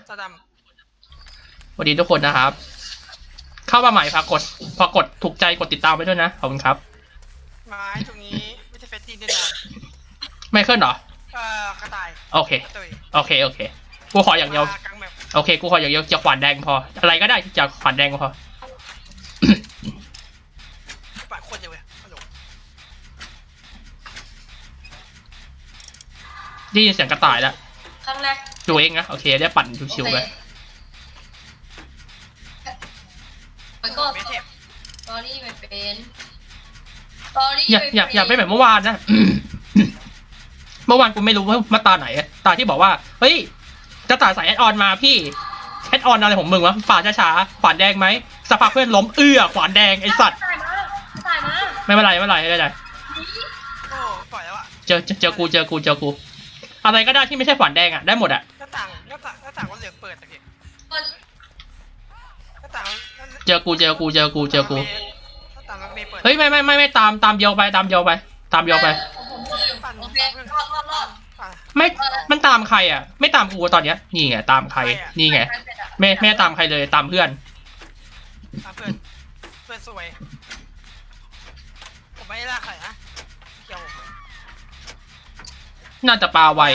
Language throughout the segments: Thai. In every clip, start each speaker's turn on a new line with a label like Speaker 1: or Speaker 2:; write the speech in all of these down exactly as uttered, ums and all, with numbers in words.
Speaker 1: ตาด
Speaker 2: สวัสดีทุกคนนะครับเข้ามาใหม่ฝากกดฝากกดถูกใจกดติดตามไปด้วยนะขอบคุณครับ
Speaker 1: ไม้ตรงนี้ไม่ใช่เฟสตินแน่นอน
Speaker 2: ไม่ขึ้นเหรอ
Speaker 1: เอ่อกระต่าย
Speaker 2: โอเคโอเคโอเคกูขออย่างเดียวโอเคกูขออย่างเดียวจะขวานแดงพออะไรก็ได้ที่จะขวานแดงพอ
Speaker 1: ปากคนเดียวเลย
Speaker 2: ได้ยินเสียงกระต่ายแล้ว
Speaker 3: ครั้งแรก
Speaker 2: ดูเองนะโอเคได้ปั่นชิวๆไป
Speaker 3: ไปก็ตอรี่ไม่เป็นตอรี่
Speaker 2: อยากอยากอยากไปแบบเมื่อวานนะเมื่อวานกูไม่รู้ว่ามาตาไหนตาที่บอกว่าเฮ้ยจะตาใส่แอดออนมาพี่แอดออนอะไรของมึงวะฝ่าช้าๆขวานแดงไหมสภาพเพื่อนล้มเอื้อขวานแดงไอสัตว์ไม่เป็นไรไม่เป็นไรไม่เป็นไร
Speaker 1: โอ้ปล่อยแล้วอะ
Speaker 2: เจอเจอกูเจอกูเจอกูอะไรก็ได้ที่ไม่ใช่ขวานแดงอ่ะได้หมดอ่ะ
Speaker 1: หน้าต่างหน้าต่างหน้าต่างก็เหลืองเปิดตะกี้หน้าต่าง
Speaker 2: เจอกูเจอกูเจอกูเจอกู
Speaker 1: หน้าต่างมันไม่เปิด
Speaker 2: เฮ้ยไม่ไม่ไม่ไม่ตามตามเดียวไปตามเดียวไปตามเดียวไปไม่มันตามใครอ่ะไม่ตามกูตอนเนี้ยนี่ไงตามใครนี่ไงไม่ไม่ตามใครเลยตามเพื่อน
Speaker 1: ตามเพื่อนเพื่อนสวยผมไม่ล่าใครนะเกี่ยว
Speaker 2: น่าจะปลาไว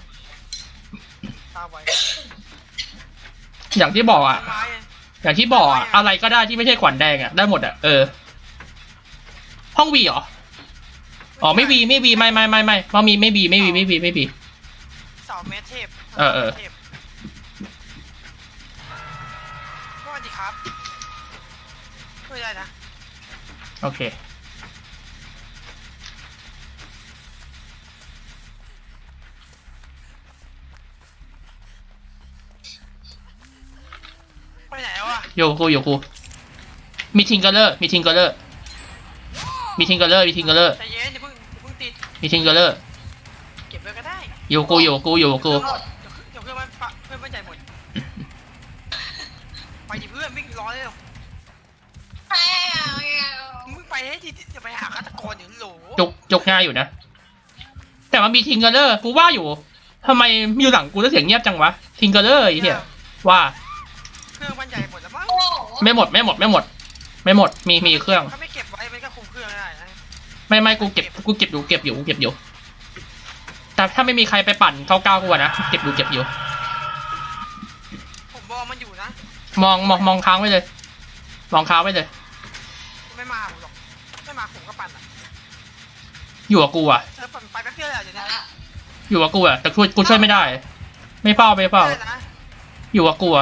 Speaker 1: ปลาไว
Speaker 2: อย่างที่บอกอ่ะอย่างที่บอกอ่ะอะไรก็ได้ที่ไม่ใช่ขวัญแดงอ่ะได้หมดอ่ะเออห้องวีเหรออ๋อไม่วีไม่วีไม่ไม่ไม่ไม่เพราะมีไม่วีไม่วีไม่วีไม่วี
Speaker 1: เสาเมทเทพ
Speaker 2: เออเออ
Speaker 1: สวัสดีครับช่วยได้นะ
Speaker 2: โอเค
Speaker 1: ไปไหนวะ
Speaker 2: โยกูโยกูมีทิงเกอร์เลอร์มีทิงเกอร์เลอร์มีทิงเกอร์เลอร์มีทิงเกอร์เลอร์
Speaker 1: ใจเย็นอย่าเพิ่งอย่าเพิ่งติด
Speaker 2: มีทิงเกอร์เลอร์
Speaker 1: เก็บไว้ก็ได้
Speaker 2: โยกูโยกูโยกู
Speaker 1: เดี๋ยวเพื่อนมันเพื่อนมันใหญ่หมดไปดิเพื่อนวิ่งร้อนเลยมึงไปให้ดิจะไปหาฆาตกรอยู่โหล
Speaker 2: จกจกง่ายอยู่นะแต่ว่ามีทิงเกอร์เลอร์กูว่าอยู่ทำไมอยู่หลังกูแล้วเสียงเงียบจังวะทิงเกอร์เลอร์ไอ้เหี้ยว่า
Speaker 1: เครื่องมันใหญ่หมดแล้วมั้ง
Speaker 2: ไม่หมดไม่หมดไม่หมดไม่หมดมีมีเครื่อง
Speaker 1: ถ้าไม่เก็บไว้มันก็คุมเครื่องได้นะ
Speaker 2: ไม่ไม่กูเก็บกูเก็บอยู่เก็บอยู่กูเก็บอยู่แต่ถ้าไม่มีใครไปปั่นเท่าเก้ากูนะเก็บอยู่เก็บอยู่
Speaker 1: ผมมองมันอยู่นะ
Speaker 2: มองมองมองค้างไว้เลยมองค้างไว้เลย
Speaker 1: ไม่มาหรอกไม่มาผมก็ปั่นอ่ะ
Speaker 2: อยู่กับกูอ่ะ
Speaker 1: เออปั่นไปแป๊บเดียวเลยเดี๋ยวนี้
Speaker 2: อยู่กับกูอ่ะแต่ช่วยกูช่วยไม่ได้ไม่เฝ้าไม่เฝ้าอยู่กับกูอ่ะ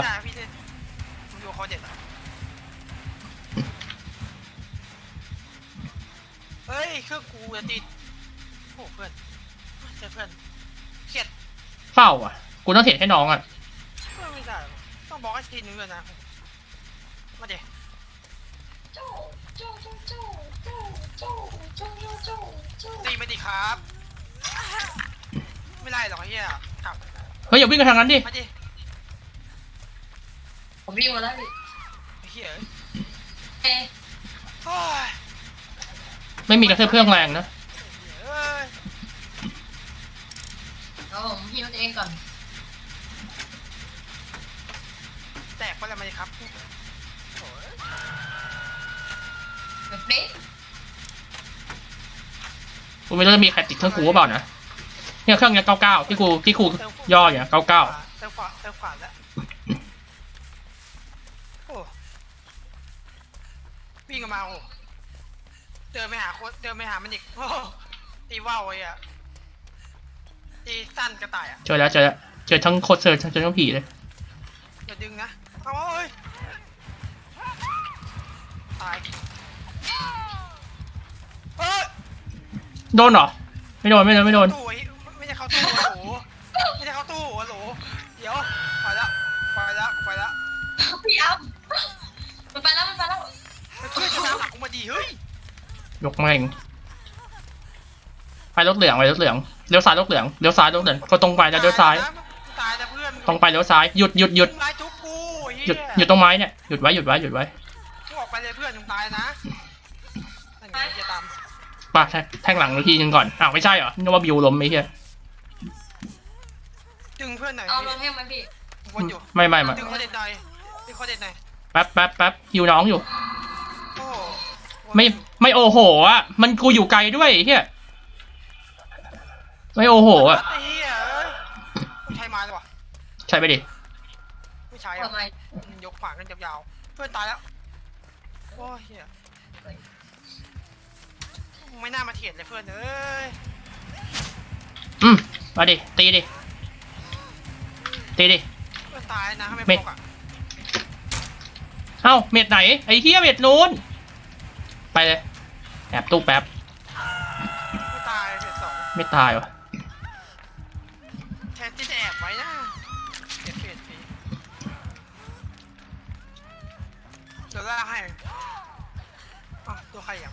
Speaker 1: เฮ้ยเครื่องกูจะติดโอ้เพื่อนเจอเพื่อนเขียด
Speaker 2: เฝ้าอ่ะกูต้องเห็นให้น้องอ่ะ
Speaker 1: ไม่ได้ต้องบอกให้ทีนึงเลยนะมาเดี๋ยวตีมาดิครับไม่ได้หรอกเฮียครับ
Speaker 2: เฮ้ยอย่าวิ่งกันทางนั้นดิ
Speaker 1: มาดิ
Speaker 3: ผมวิ่งมาแล้วดิ
Speaker 1: เฮีย
Speaker 3: เอ๊ะ
Speaker 2: ไม่มีกระเทือเพื่องแรงนะ
Speaker 3: เอาผมฮิวตัวเองก่อน
Speaker 1: แตกไปแล้วไหมครับ
Speaker 3: แบบนี้
Speaker 2: กูไม่รู้จะมีใครติดเครื่องกูหรือเปล่านะเนี่ยเครื่องเนี้ยเก้าเก้าที่กูที่กูย่ออย่างเก้าเก้า
Speaker 1: เติมขวาเติมขวาแล้วโอ้วิ่งมาโอ้เดินไปหาโคตรเดินไปหามันอีกโอ้ตีว่าวไอ้อะตีสั้นกระต่ายอะ
Speaker 2: เจอแล้วเจอแล้วเจอทั้งโคตรเจอทั้งเจอทั้งผีเลย
Speaker 1: อย่าดึงนะเอาเอ้ยตายเอ้ย
Speaker 2: โดนเหรอไม่โดนไม่โดนไม่โดน
Speaker 1: ไม่ใช่เข้าตู้โหไม่ใช่เข้าตู้โหลเดี๋ยวไปแล้วไปแล้วไปแล้ว
Speaker 3: พี่อัพมันไปแล้วมันไปแล้ว
Speaker 1: เพื่อนจะตามหลังกูมาดีเฮ้ย
Speaker 2: ยกแม่งไปรถเหลืองไปรถเหลืองเลี้ยวซ้ายรถเหลืองเลี้ยวซ้ายรถเหลืองก็ตรงไปแล้วเลี้ยวซ้ายตรงไปเลี้ยวซ้ายหยุดหยุดหยุดหยุดหยุดตรงไม้เนี่ยหยุดไว้หยุดไว้หยุดไว้
Speaker 1: ออกไปเลยเพื่อนมึงตายนะจะตาม
Speaker 2: ป่ะแทงหลังทีนึงก่อนอ้าวไม่ใช่เหรอนึกว่าบิวล้มไม่ใช่
Speaker 1: ดึงเพื่อนหน่อย
Speaker 3: เอาลงให้มันพี่
Speaker 1: ววนอยู่
Speaker 2: ไม่ไม่ไม่
Speaker 1: ดึงคอเด็ดหน่อยดึงคอเด็ดหน่อย
Speaker 2: แป๊บแป๊บแป๊บฮิวน้องอยู่
Speaker 1: โอ้โห
Speaker 2: ไม่ไม่โอโหอ่ะมันกูอยู่ไกลด้วยเฮียไม่โอโหอ่ะ
Speaker 1: ไอ้เหี้ยเอ้ยไม่ใช่มาเลยวะ
Speaker 2: ใช่ไปดิ
Speaker 1: ไม่ใช่อะ
Speaker 3: ทำไม
Speaker 1: ยกขวานกันยาวๆเพื่อนตายแล้วโอ้ยเหี้ยไม่น่ามาเถียงเลยเพื่อนเอ้ย
Speaker 2: อืมมาดิตีดิตีดิ
Speaker 1: เพื่อนตายนะทำไม
Speaker 2: ไม่
Speaker 1: พกอะ
Speaker 2: เอ้าเม็ดไหนไอ้เฮียเม็ดนู้นไปเลยแอบตู้แป๊บ
Speaker 1: ไม่ตายเสียสอง
Speaker 2: ไม่ตายวะ
Speaker 1: แทนที่จะแอบไว้นะเสียเสียทีเดี๋ยวลากให้อ่ะตัวใครอ่ะ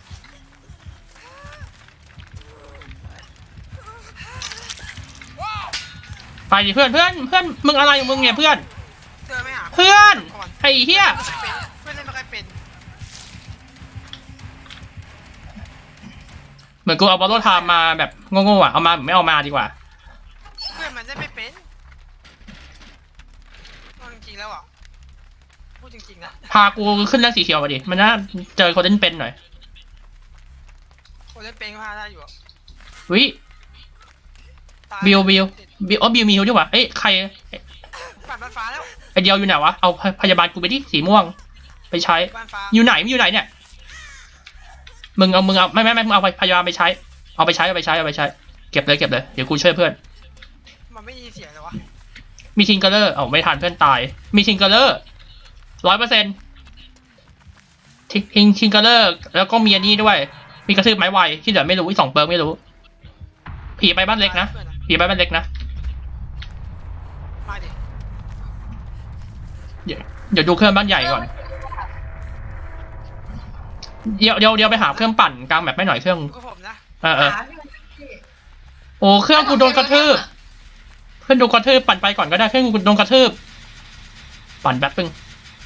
Speaker 2: ไปดิเพื่อนเพื่อนเพื่อนมึงอะไรของมึงเนี่ยเพื่อน
Speaker 1: เจอไม่หา
Speaker 2: เพื่อนไอ้เฮีย
Speaker 1: เพื่อนเล่นไม่ค่อยเป็น
Speaker 2: เหมือนกูเอาบอลโลไทม์มาแบบโง่ๆอ่ะเอามาไม่เอามาดีกว่า
Speaker 1: เพื่อนมันเล่นไม่เป็นเอาจริงๆแล้วอ่ะพูดจริงๆนะ
Speaker 2: พากูขึ้นแรงสีเขียวมาดิมันน่าเจอคนเล่นเป็นหน่อย
Speaker 1: คนเล่นเป็นก็พาได้อยู่อะ
Speaker 2: วิ
Speaker 1: ตาย
Speaker 2: บิวบิวบิวอ๋อบิวมีฮิวดีกว่าเอ้ยใคร
Speaker 1: ปัดบ้านฟ้าแล้ว
Speaker 2: ไอเดียวอยู่ไหนวะเอาพยาบาลกูไปที่สีม่วงไปใช้
Speaker 1: บ้านฟ้า
Speaker 2: อยู่ไหนมึงอยู่ไหนเนี่ยมึงเอามึงเอาไม่ไม่ไม่มึงเอาพยาบาลไปใช้เอาไปใช้เอาไปใช้เอาไปใช้เก็บเลยเก็บเลยเดี๋ยวกูช่วยเพื่อน
Speaker 1: มันไม่มีเสียงเลยวะ
Speaker 2: มีทิงเกอร์เลอร์เอาไม่ทันเพื่อนตายมีทิงเกอร์เลอร์ร้อยเปอร์เซ็นต์ทิงทิงเกอร์เลอร์แล้วก็มีอันนี้ด้วยมีกระทืบไม้ไวที่เหลือไม่รู้อีกสองเปิร์กไม่รู้ผีไปบ้านเล็กนะ
Speaker 1: พื่อ
Speaker 2: ผีไปบ้านเล็กนะ
Speaker 1: มาดิ
Speaker 2: เดี๋ยวเดี๋ยวดูเครื่องบ้านใหญ่ก่อนเดี๋ยวเดี๋ยวเดี๋ยวไปหาเครื่องปั่นกลางแบบไม่หน่อยเครื่อง
Speaker 1: ดูกับผมนะ
Speaker 2: เออเออ
Speaker 3: หาพี่
Speaker 2: โอ้เครื่องกูโดนกระทืบเพื่อนโดนกระทืบปั่นไปก่อนก็ได้เครื่องกูโดนกระทืบปั่นแป๊บนึง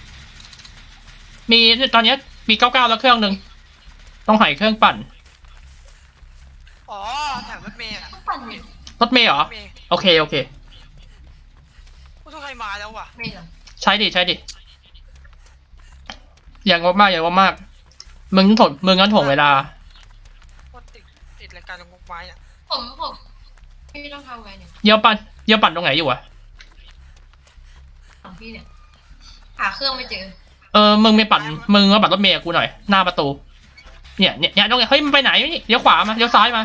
Speaker 2: มีตอนนี้มีเก้าเก้าแล้วเครื่องหนึ่งต้องหายเครื่องปั่น
Speaker 1: อ๋อแถวรถเมล์อะ
Speaker 3: ต้องปั่นเนี่ย
Speaker 2: รถเมย์เหร
Speaker 1: ร
Speaker 2: อ
Speaker 1: ถเมล์
Speaker 2: โอเคโอเค
Speaker 1: ผู้ทุกใครมาแล้วว่ะ
Speaker 3: ไม่เหรอ
Speaker 2: ใช้ดิใช้ดิอย่างงบมากอย่างงบมากมึงถงมึงงั้นถ่วงเวลา
Speaker 1: โคตรติดติดรายการตรงงกไม้อะ
Speaker 3: ผมผมพี่ต้องทำไงเนี่ย
Speaker 2: เยี่ยวปั่นเยี่ยวปั่นตรงไหนอยู่อะ
Speaker 3: ของพี่เนี่ยหาเครื่องไม่เจอ
Speaker 2: เออมึงไม่ปั่นมึงมาปั่นรถเมย์กับกูหน่อยหน้าประตูเนี่ยเนี่ยเนี่ยตรงไหนเฮ้ยมันไปไหนนี่เลี้ยวขวามาเลี้ยวซ้ายมา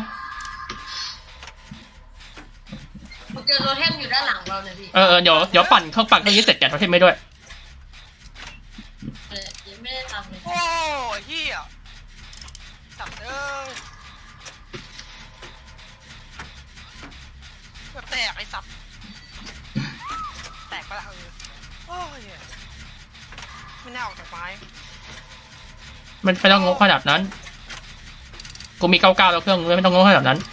Speaker 3: ผมเจอโรเทมอยู่ด้านหลังเราเลยพี่
Speaker 2: เออเออเดี๋ยวเดี๋ยวปั่นเครื่องปั่นเครื่องนี้เสร็จแกะโทเทมไม่ด้วย
Speaker 3: เออยังไม่ได้ทำเลย
Speaker 1: โอ้ยเฮียสับเอ้ยแบบแตกไอ้สับแตกไปละเออโอ้ยไม่น่าออกจากไม้
Speaker 2: มันไม่ต้องงกขนาดนั้นกูมีเก้าเก้าแล้วเครื่องไม่ต้องงกขนาดนั้น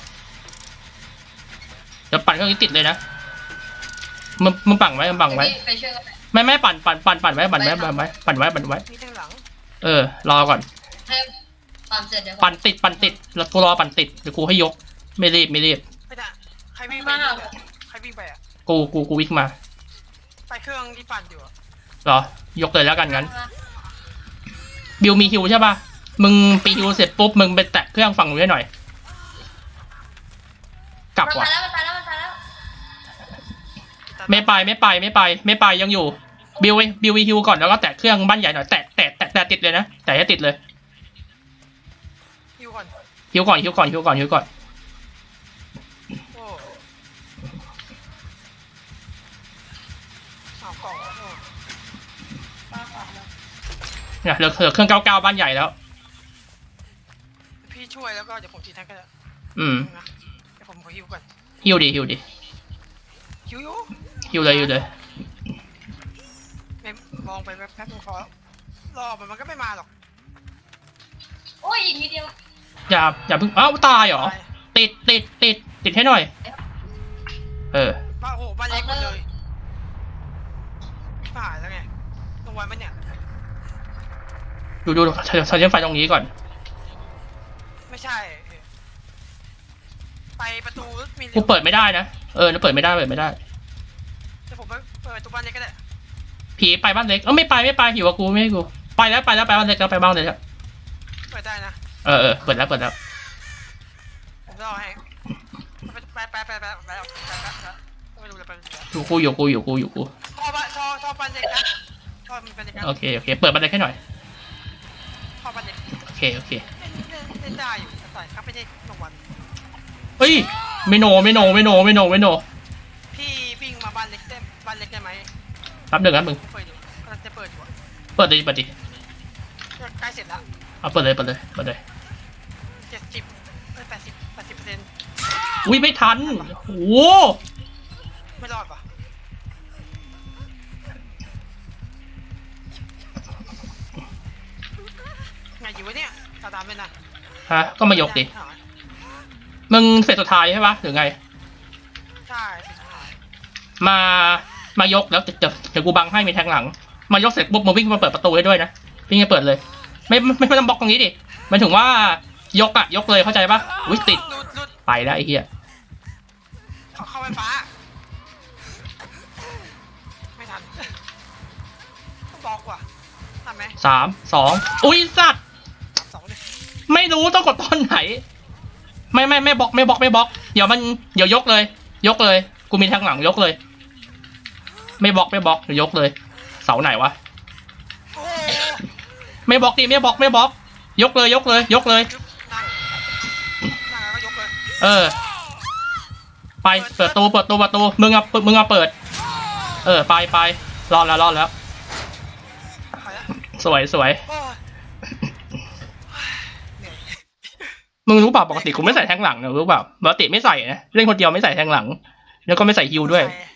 Speaker 2: เดี๋ยวปั่นเครื่องนี้ติดเลยนะมึงมึงปั่นไว้มึงปั่นไว้
Speaker 3: พี่ไปช่วยกัน
Speaker 2: ไม่ไม่ปั่นปั่นปั่นปั่นไว้ปั่นไว้ปั่นไว้ปั่นไว้ปั่นไว้
Speaker 1: มีทางหลัง
Speaker 2: เออรอก่อน
Speaker 3: ให้ปั่นเสร็จเดี๋ยว
Speaker 2: ปั่นติดปั่นติดแล้วกูรอปั่นติดเดี๋ยวกูให้ยกไม่รีบไม่รีบ
Speaker 1: ไม่ได้ใครวิ่งไปเนี่ยใครวิ่งไปอ่ะ
Speaker 2: กูกูกูวิ่งมา
Speaker 1: ไปเครื่องที่ปั่นอยู่อะ
Speaker 2: เหรอยกเลยแล้วกันงั้นบิวมีฮิวใช่ป่ะมึงปีฮิวเสร็จปุ๊บมึงไปแตะเครื่องฝั่งนู้นให้หน่อย กลับ
Speaker 3: มัน
Speaker 2: ว่ะ
Speaker 3: ตายแล้วมันตายแล้วมันตายแล้ว
Speaker 2: ไม่ไปไม่ไปไม่ไปไม่ไปยังอยู่บิวบิววีฮิวก่อนแล้วก็แตะเครื่องบ้านใหญ่หน่อยแตะแตะแตะแตะติดเลยนะแตะให้ติดเลย
Speaker 1: ฮิวก่อน
Speaker 2: ฮิวก่อนฮิวก่อนฮิวก่อนฮิวก่อน
Speaker 1: โอ้เอากล่องโอ้
Speaker 3: ป้าป่าแล้ว
Speaker 2: เนี่ยเหลือเหลือเครื่องเก้าเก้าบ้านใหญ่แล้ว
Speaker 1: พี่ช่วยแล้วก็เดี๋ยวผมตีแทงก็ได้
Speaker 2: อืม
Speaker 1: นะเดี๋ยวผมขอฮิวก่อน
Speaker 2: ฮิวดิฮิวดิ
Speaker 1: ฮิวอยู่
Speaker 2: ฮิวเลยฮิวเลย
Speaker 1: ไม่มองไปแป๊บๆนึงพอรอมันมันก็ไม่มาหรอก
Speaker 3: โอ้ยอีกนิดเดียว
Speaker 2: อย่าอย่าเพิ่งอ้าวตายเหรอ
Speaker 1: ตาย
Speaker 2: ติดติดติดติดให้หน่อย เออ
Speaker 1: บ้านโอ้โหบ้านเล็กหมดเลยผ่านแล้วไงตรงวันมันเนี่ย
Speaker 2: ดูดูใช้ใช้ไฟตรงนี้ก่อน
Speaker 1: ไม่ใช่ไปประตูมี
Speaker 2: กูเปิดไม่ได้นะเออเปิดไม่ได้เปิดไม่ได้
Speaker 1: แต่ผมไปเปิดประตูบ้านเล็กก็ได้
Speaker 2: ผีไปบ้านเล็กเออไม่ไปไม่ไปอยู่กับกูไม่ให้กูไปแล้วไปแล้วไปบ้านเล็กแล้วไปบ้านเล็กแล้ว
Speaker 1: เปิดได้นะ
Speaker 2: เออเออเปิดแล้วเปิดแล้ว
Speaker 1: ผมรอให้ไปไปไปไปไปไปไปไปไม่รู้เลยไป
Speaker 2: อยู่กูอยู่กูอยู่กูอยู่กู
Speaker 1: ท่อบ้านท่อท่อบ้านเล็กนะท่อมันเป็นเล็กนะ
Speaker 2: โอเคโอเคเปิดบ้านเล็กให้หน่อย
Speaker 1: ท่อบ้านเล็ก
Speaker 2: โอเคโอเค
Speaker 1: เล่นเล่นเล่นได้อยู่แต่ครับไม่ได้รางวัล
Speaker 2: เฮ้ยไม่โนไม่โนไม่โนไม่โนไม่โน
Speaker 1: พี่วิ่งมาบ้านเล็กได้บ้านเล็กได้ไหม
Speaker 2: แป๊บหนึ่งนะมึง
Speaker 1: เปิดอยู่กำลังจะเปิดอยู่
Speaker 2: เปิดดิเปิดดิ
Speaker 1: ใกล้เสร็จแล้ว
Speaker 2: เอาเปิดเลยเปิดเลยเปิดเลย
Speaker 1: เจ็ดสิบเอ้ยแปดสิบแปดสิบเปอร์เซ็นต์
Speaker 2: อุ้ยไม่ทันโอ้โห
Speaker 1: ไม่รอดป่ะไงอยู่วะเนี่ยตาดำเลยนะ
Speaker 2: ฮะก็มายกดิมึงเสร็จสุดท้ายใช่ปะหรือไง
Speaker 1: ใช่สุดท้าย
Speaker 2: มามายกแล้วเดี๋ยวเดี๋ยวกูบังให้มีแทงหลัง มายกเสร็จปุ๊บมึงวิ่งมาเปิดประตูให้ด้วยนะวิ่งมาเปิดเลย ไม่ไม่ไม่ต้องบล็อกตรงนี้ดิหมายถึงว่ายกอะยกเลยเข้าใจปะอุ้ยติด
Speaker 1: หลุดหลุด
Speaker 2: ไปแล้วไอ้เหี้ย
Speaker 1: เข้าเข้าไฟฟ้าไม่ทันต้องบอกว่ะทันไหม
Speaker 2: สามสองอุ้ยสัตว์
Speaker 1: สองเลย
Speaker 2: ไม่รู้ต้องกดตอนไหน ไม่ไม่ไม่บล็อกไม่บล็อกไม่บล็อกเดี๋ยวมันเดี๋ยวยกเลย ยกเลย กูมีแทงหลังยกเลย ไม่บล็อกไม่บล็อกเดี๋ยวยกเลย เสาไหนวะ
Speaker 1: โอ้
Speaker 2: ไม่บล็อกดิไม่บล็อกไม่บล็อก ยกเลยยกเลย ยกเลย
Speaker 1: นั่งนั่งแล้วก็ยกเลย
Speaker 2: เออ ไปเปิดตูเปิดตูประตูมึงอะมึงอะเปิด เออไปไปรอดแล้วรอดแล้ว
Speaker 1: ไปแล้ว
Speaker 2: สวยสวย
Speaker 1: โอ้ยเหนื่อย
Speaker 2: มึงรู้เปล่าปกติกูไม่ใส่แทงหลังนะรู้เปล่าปกติไม่ใส่นะเล่นคนเดียวไม่ใส่แทงหลัง แล้วก็ไม่ใส่ฮิวด้วย
Speaker 1: ใส่